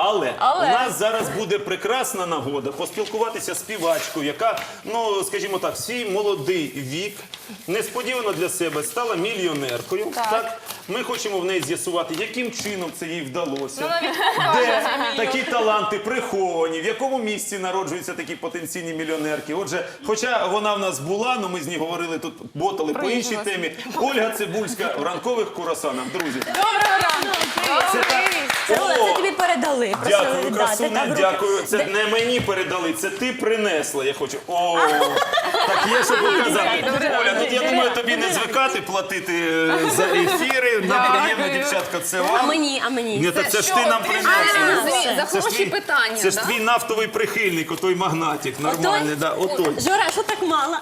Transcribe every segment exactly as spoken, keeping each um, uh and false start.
Але, Але у нас зараз буде прекрасна нагода поспілкуватися з співачкою, яка, ну, скажімо так, свій молодий вік несподівано для себе стала мільйонеркою. Так. Ми хочемо в неї з'ясувати, яким чином це їй вдалося, де такі таланти приховані, в якому місці народжуються такі потенційні мільйонерки. Отже, хоча вона в нас була, але ми з ній говорили тут, ботали по іншій темі. Ольга Цибульська в ранкових курасанах. Друзі. Доброго ранку! Це так. Це О, тобі передали. Просили Дякую, віддати. красуне, Так, руки. дякую. Це не мені передали, це ти принесла. Я хочу. О, так є, що показати. Оля, тут я думаю, тобі не звикати платити е, за ефіри. Нам приємно, дівчатка, це А вам. мені, а мені. Ні, так це ж ти нам А, принесла. за Це ж хороші твій- питання, Це ж да? твій нафтовий прихильник, отой магнатик, нормальний, да, отой. Жора, що так мало?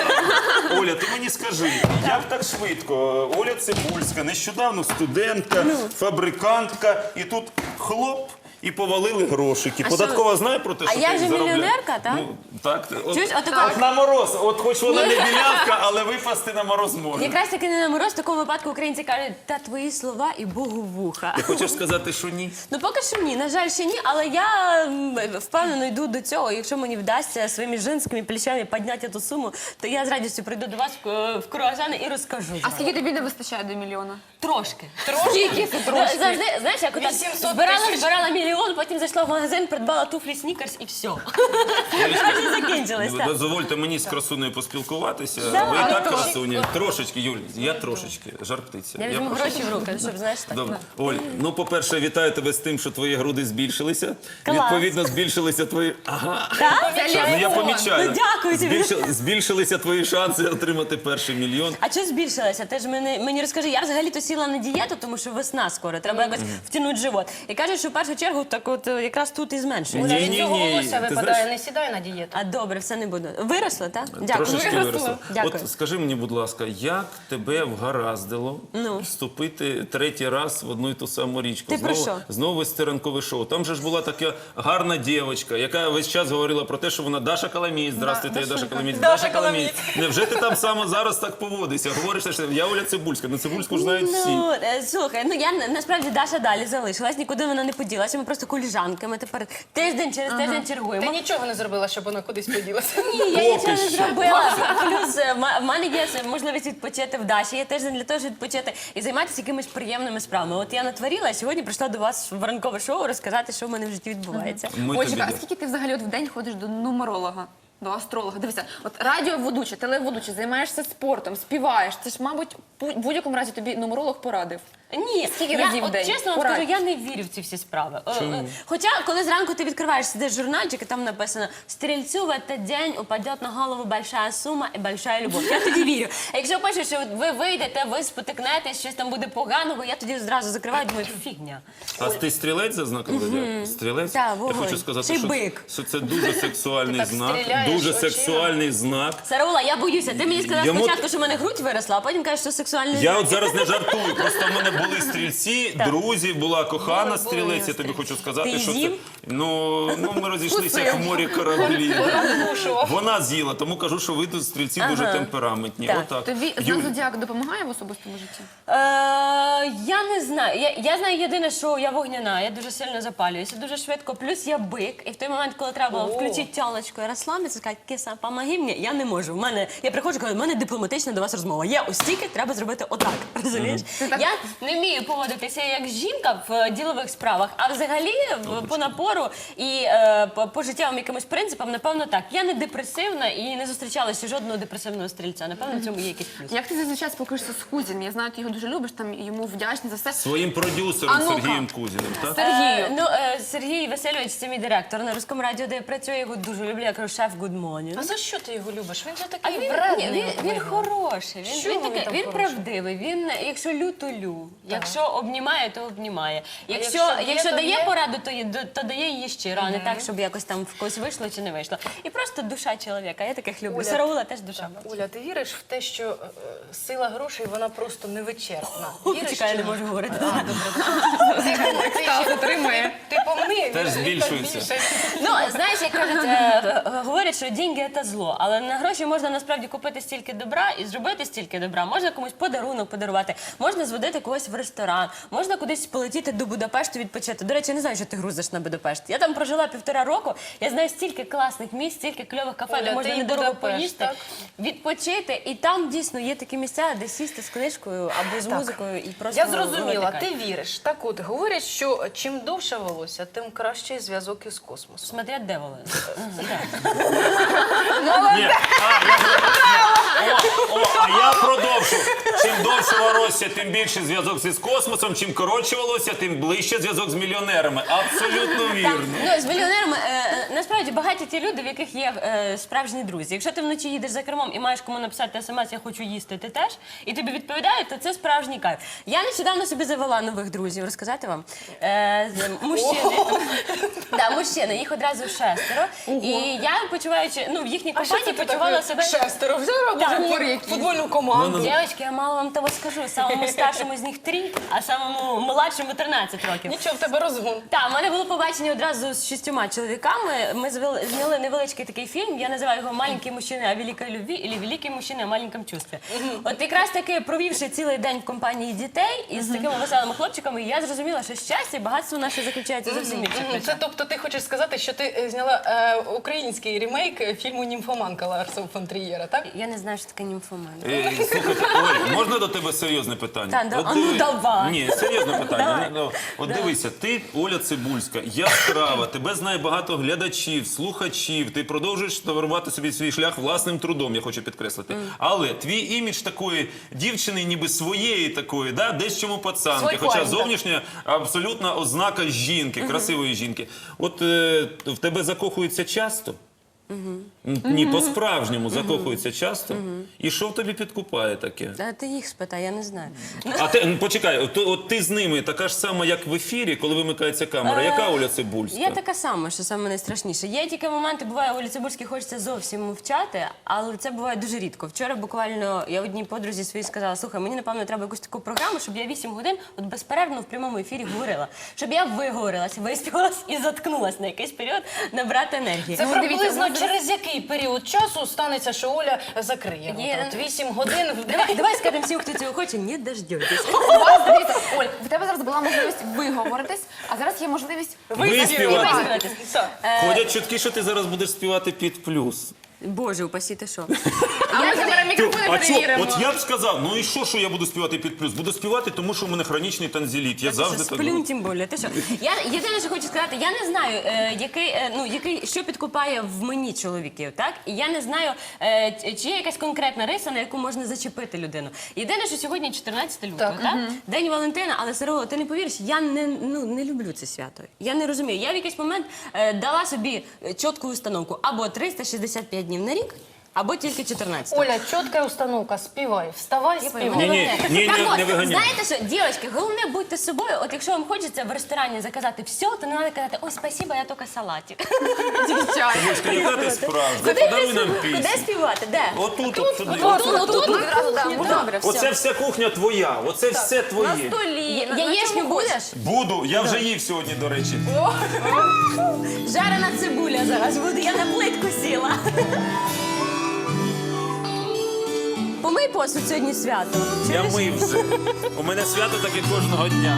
Оля, ти мені скажи, як так швидко? Оля Цибульська, нещодавно студентка, фабрикантка, і тут хлоп, і повалили грошики. Податкова знає про те, А що я ти же заробляєш? мільйонерка, так? Ну, так. От, Чуєш, отако- от на мороз, от хоч вона не білявка, але випасти на мороз може. Якраз таки не на мороз, в такому випадку українці кажуть, та твої слова і Богу вуха. Ти хочеш сказати, що ні? Ну поки що ні, на жаль, ще ні, але я м, впевнено йду до цього. Якщо мені вдасться своїми жінськими плечами підняти цю суму, то я з радістю прийду до вас в, в круасани і розкажу. А скільки тобі не вистачає до мільйона? Трошки. Трошки? Завжди, знаєш, як отак збирала, збирала мільйон, потім зайшла в магазин, придбала туфлі снікерс і все. Вже закінчилось, так. Дозвольте мені з красунею поспілкуватися. Да, Ви і так трошки. красуні. Трошечки, Юль, я трошечки, жар птиця. Я візьму прошу. гроші в руки, щоб, знаєш, так. Добре. Оль, ну, по-перше, вітаю тебе з тим, що твої груди збільшилися. Клас. Відповідно, збільшилися твої... Ага. Так? Що, ну, я помічаю. Ну, дякую тобі. Збільшили- Збільшилися твої шанси отримати перший мільйон. А що збільшилося? Ти ж мені, мені розкажи, я взагалі-то сіла на дієту, тому що весна скоро, треба якось втягнути живот. І кажуть, що в першу чергу так от е, якраз тут і зменшується. Ні, ні, Цього ні. волосся Ти випадає, знаєш, не сідай на дієту. А добре, все не буду. Виросло, так? Дякую. Трошечки виросло. Дякую. От скажи мені, будь ласка, як тебе вгараздило Ну. вступити третій раз в одну і ту саму річку? Ти про знову, що? Знову вести ранкове шоу. Там же ж була така гарна дівчинка, яка весь час говорила про те, що вона Даша Каламіць. Здравствуйте, я Даша Каламіць. Даша Каламіць. Невже ти там саме зараз так поводишся? Говориш, що я Оля Цибульська. Ну, Цибульську ж знають всі. Ну, е, слухай, ну я на- насправді Даша далі залишилась, нікуди вона не поділася. Ми просто коліжанки. Ми тепер тиждень через тиждень Ти чергуємо. нічого не зробила, щоб вона кудись поділася. Ні, я Поки нічого не що. зробила. Плюс е, ма- в мене є можливість відпочити в Даші. Є тиждень для того, щоб відпочити і займатися якимись приємними справами. От я натворила, а сьогодні прийшла до вас в ранкове шоу розказати, що в мене в житті відбувається. Ми тобі Ольчика, а дякуємо. скільки ти взагалі от в день ходиш до нумеролога? До астролога. Дивися, от радіоведуча, телеведуча, займаєшся спортом, співаєш. Це ж, мабуть, в будь-якому разі тобі нумеролог порадив. Ні, Скільки я, разів в от, день? чесно вам Порадь. скажу, я не вірю в ці всі справи. Е, е, Хоча, коли зранку ти відкриваєш, сидиш журнальчик, і там написано «Стрільцю в этот день упадет на голову большая сума і большая любов». Я тоді вірю. А якщо пишеш, що ви вийдете, ви спотикнетесь, щось там буде поганого, я тоді зразу закриваю, думаю, фігня. А ти стрілець за знаком зодіаку? Стрілець? Так, Я вогонь. хочу сказати, Ще й що, бик. що це дуже сексуальний так знак. стріляєш Дуже очима. сексуальний знак. Сараула, я боюся. Ти мені сказав Йому- спочатку, що в мене грудь виросла, а потім кажеш, що сексуальний Я знак. от зараз не жартую, просто в мене були стрільці, друзі, була кохана Були, були стрілець, я тобі стрільці. хочу сказати, Ти що це... з'їв? Ну, ну, ми розійшлися як в морі кораблі. да. Кушував. Вона з'їла, тому кажу, що ви тут стрільці дуже темпераментні. Так. Отак. Тобі Юль, знак зодіаку допомагає в особистому житті? Е, я не знаю. Я, я знаю єдине, що я вогняна, я дуже сильно запалююся, дуже швидко. Плюс я бик. І в той момент, коли треба було О. включити тялочку і розслабитися, сказати, киса, помоги мені, я не можу. В мене, я приходжу, кажу, в мене дипломатична до вас розмова. Я ось стільки, треба зробити отак. Розумієш? Я не вмію поводитися як жінка в е, ділових справах, а взагалі в- по напору і е, по, по життєвим якимось принципам, напевно, так. Я не депресивна і не зустрічалася жодного депресивного стрільця. Напевно, в цьому є якийсь плюс. Як ти зазвичай спілкуєшся з Кузіним? Я знаю, ти його дуже любиш, там йому вдячний за все. своїм продюсером А ну-ка. Сергієм Кузіним, так? Сергію. Е, ну, е, Сергій Васильович, це мій директор на Руському радіо, де я працюю, я його дуже люблю. Я кажу, шеф, good morning. А за що ти його любиш? Він же А такий він, ні, вредний. він, от він вигляд. хороший, він, Чого він, він такий, там він хороший? правдивий, він, якщо лю, то лю. Якщо обнімає, то обнімає. Якщо, якщо якщо, є, то дає є? пораду, то, є- то дає її щиро, а не так, щоб якось там в когось вийшло чи не вийшло. І просто душа чоловіка, я таких люблю. Оля, Сараула теж душа. Оля, ти віриш в те, що е, е, сила грошей, вона просто невичерпна? Віриш Чекай, я чи не ні? можу говорити. Ти, ти, ще- отримує. ти помни, теж збільшується. Ну, знаєш, як кажуть, е, е, говорять, що деньги – це зло, але на гроші можна насправді купити стільки добра і зробити стільки добра. Можна комусь подарунок подарувати, можна зводити когось в ресторан, можна кудись полетіти до Будапешту відпочити. До речі, я не знаю, що ти грузиш на Будапешт. Я там прожила півтора року, я знаю стільки класних місць, стільки кльових кафе, Оля, де можна ти і недорого Будапешт, поїсти, так? відпочити. І там дійсно є такі місця, де сісти з книжкою або з музикою і просто Я зрозуміла, вилити ти кайф. віриш. Так от, говорять, що чим довше волосся, тим кращий зв'язок із космосом. Смотря де вони. Ні, а, я, о, о, а я продовжу. Чим довше волосся, тим більше зв'язок із космосом, чим коротше волосся, тим ближче зв'язок з мільйонерами. Абсолютно вірно. Ну, з мільйонерами, е, е, насправді, багаті ті люди, в яких є е, справжні друзі. Якщо ти вночі їдеш за кермом і маєш кому написати смс «я хочу їсти», ти теж, і тобі відповідають, то це справжній кайф. Я нещодавно собі завела нових друзів, розказати вам. Е, з- мужчини. Да, мужчини, їх одразу шестеро. І я, почуваючи, ну, в їхній компанії почувала себе... Шестеро, вже робиш Так. говорю, футбольну команду. Дівчатки, я мало вам того скажу. Самому старшому з них три, а самому молодшому тринадцять років. Нічого, в тебе розгон. Так, в мене було побачення одразу з шістьома чоловіками. Ми звели- зняли невеличкий такий фільм. Я називаю його «Маленький мужчина о великій любві» або «Великий мужчина о маленькому чувстві». От якраз таки, провівши цілий день в компанії дітей і з такими веселими хлопчиками, я зрозуміла, що щастя і багатство наше заключається зовсім в інших Мгм. речах. Це тобто ти хочеш сказати, що ти е, зняла е, український ремейк е, фільму «Німфоманка» Ларса фон Трієра, так? Я не знаю, що таке німфоман. Е, Слухайте, Оль, можна до тебе серйозне питання? Та, да, От а ну диви- давай. Ні, серйозне питання. Давай. Ну, От дивися, ти Оля Цибульська, яскрава, тебе знає багато глядачів, слухачів, ти продовжуєш товарувати собі свій шлях власним трудом, я хочу підкреслити. Але твій імідж такої дівчини, ніби своєї такої, да, десь чому пацанки, Свойхуань, хоча так. зовнішня абсолютна ознака жінки, красивої жінки. От е, в тебе закохуються часто? Ні, по-справжньому закохуються часто. І що в тобі підкупає таке? А ти їх спитай, я не знаю. А ти, ну, почекай, от, от ти з ними така ж сама, як в ефірі, коли вимикається камера. Яка Оля Цибульська? Я така сама, що саме найстрашніше. Є тільки моменти, буває, Олі Цибульській хочеться зовсім мовчати, але це буває дуже рідко. Вчора буквально я одній подрузі своїй сказала: слухай, мені напевно треба якусь таку програму, щоб я вісім годин от безперервно в прямому ефірі говорила. Щоб я виговорилась, виспівалась і заткнулась на якийсь період набрати енергії. Це Ну, дивіться, приблизно у нас через який період часу станеться, що Оля закриє рота? Є. От вісім годин в день. Давай, давай скажемо всім, хто цього хоче, не дождетесь. У вас, дивіться, Оль, в тебе зараз була можливість виговоритись, а зараз є можливість Виспівати. Виспіватись. Так. Ходять чутки, що ти зараз будеш співати під плюс. Боже, упасі, ти що? А ми зараз мікрофони А чо? перевіримо. От я б сказав, ну і що, що я буду співати під плюс? Буду співати, тому що в мене хронічний танзеліт. Я завжди так Сплюнь, говорю. тим більше. Ти що? Я єдине, що хочу сказати, я не знаю, е, який, е, ну, який, що підкупає в мені чоловіків, так? І я не знаю, е, ч- чи є якась конкретна риса, на яку можна зачепити людину. Єдине, що сьогодні чотирнадцяте лютого, так? День Валентина, але Сарова, ти не повіриш, я не, ну, не люблю це свято. Я не розумію. Я в якийсь момент е, дала собі е, чітку установку або триста шістдесят п'ять днів на рік, або тільки чотирнадцять. Оля, чітка установка, співай, вставай, співай. Ні, ні, ні, Так не, от, не виганяй. знаєте що, дівчатки, головне будьте собою. От якщо вам хочеться в ресторані заказати все, то не треба казати: ой, спасибо, я тільки салатик. Дівчата. Бочка, яка ти справжня? Куди Подаруй ти нам спів- пісню. Куди співати? Де? Отут, от сюди. Отут, отут, Тут відразу, так, кухня, добре, все. Оце вся кухня твоя, оце все На твоє. столі. Я- Яєчню будеш? Буду, я вже їв сьогодні, до речі. Жарена цибуля зараз буде, я на плитку сіла. Помий посуд, сьогодні свято. Я Чуєш? мив вже. У мене свято таке кожного дня.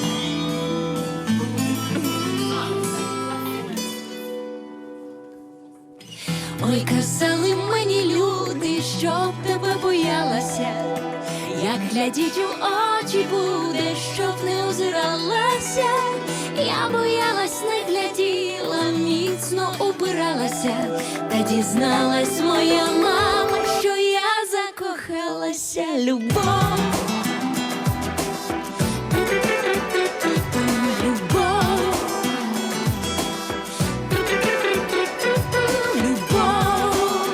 Ой, казали мені люди, щоб тебе боялася, як глядіть у очі буде, щоб не озиралася. Я боялась, не гляділа, міцно упиралася, та дізналась моя мама, що я закохалася. Любов, любов, любов,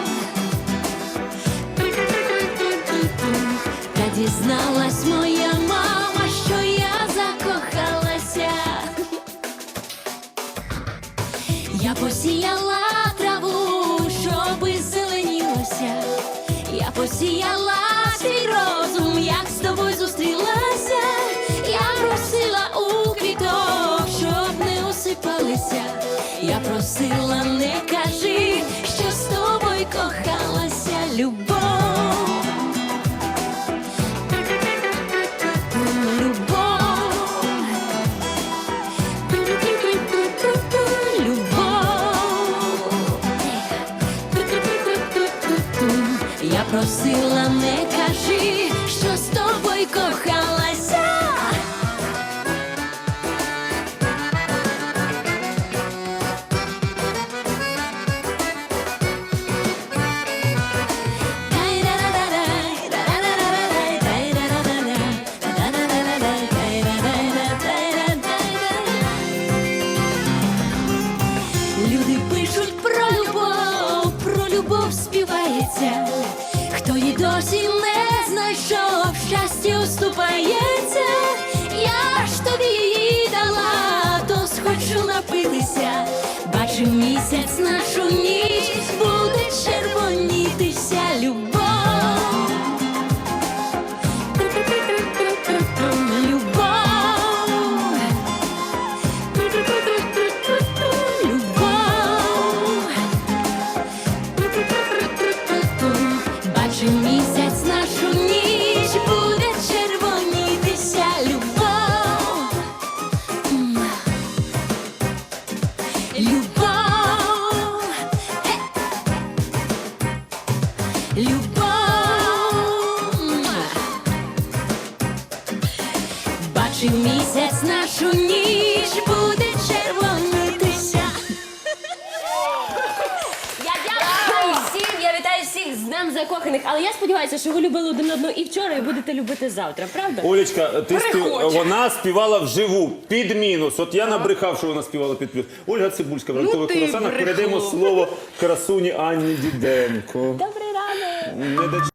та дізналась моя мама, що я закохалася. Я посіяла траву, щоби зеленілося. Я посіяла свій розум, як з тобою зустрілася. Я просила у квіток, щоб не осипалася. співалися. Я просила, не кажи, що з тобою кохалася любов. Я просила, не кажи, що з тобою кохалася. Люди пишуть про любов, про любов співається. Хто її досі не знайшов, щастя уступається. Я ж тобі її дала, то схочу напитися. Бачу місяць нашу ніч, буде червонітися любов. Бачу місяць нашу ніч, буде червонітися любов. М. Любов. Е. Любов. М. Бачу місяць нашу ніч, буде червонітися. Я дякую всім, я вітаю всіх з Днем закоханих. Але я сподіваюся, що ви любили один одного і вчора, і будете любити завтра, правда? Олечка, ти спів... Переходь. вона співала вживу, під мінус. От я набрехав, що вона співала під плюс. Ольга Цибульська в ранкових ти курасанах. брехло. Передаємо слово красуні Анні Діденко. Добрий ранок! Не доч-